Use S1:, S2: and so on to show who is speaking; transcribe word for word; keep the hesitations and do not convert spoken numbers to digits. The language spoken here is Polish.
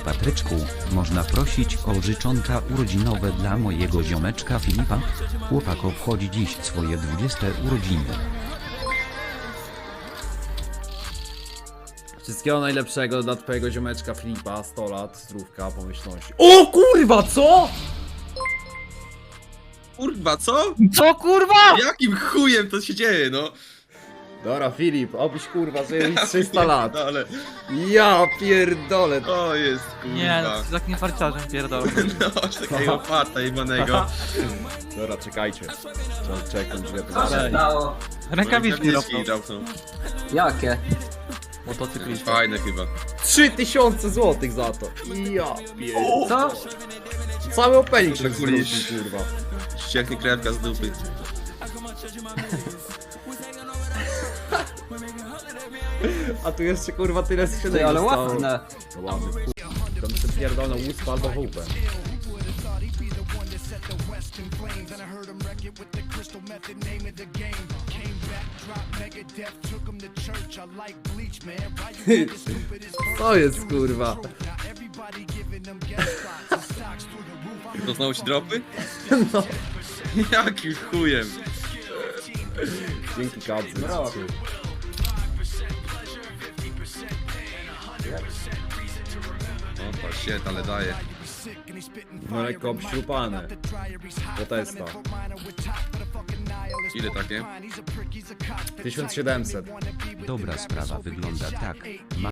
S1: Patryczku, można prosić o życzonka urodzinowe dla mojego ziomeczka Filipa? Chłopak obchodzi dziś swoje dwudzieste urodziny.
S2: Wszystkiego najlepszego dla twojego ziomeczka Filipa, sto lat, zdrówka, pomyślności. O kurwa, co?!
S3: Kurwa, co?
S4: Co kurwa?!
S3: Jakim chujem to się dzieje, no?
S2: Dobra, Filip, obyś kurwa żył już trzysta lat.
S3: No ale
S2: Ja pierdolę.
S3: to jest kurwa.
S4: Nie, no z takim farciarzem pierdolę.
S3: No, aż takiego farta jebanego.
S2: Dobra, czekajcie. Trzeba czekać, źle
S5: Co się
S2: powiedziałem.
S5: stało?
S4: Rękawiczki
S3: Rękawiczki
S4: rosną.
S3: rapną.
S5: Jakie?
S3: Jakieś
S4: Motocyklista.
S3: fajne chyba.
S2: trzy tysiące złotych za to. Ja pierdolę.
S5: Co?
S2: Cały opening się
S3: Przekulisz.
S2: zwrócił, kurwa.
S3: Ścieknie krewka z dupy.
S2: A tu jeszcze kurwa tyle skrzynek
S5: Ty, ale
S2: zostało.
S5: ładne.
S2: No ładne, kurwa. Tam sobie pierdolą łuspę albo chłupę. Co jest kurwa?
S3: To znowu ci dropy?
S2: No.
S3: Jakim chujem?
S2: Dzięki kadzy.
S3: O, to shit, ale daje.
S2: No lekko obśrupane. Do testa.
S3: Ile takie?
S2: tysiąc siedemset.
S1: Dobra sprawa wygląda tak.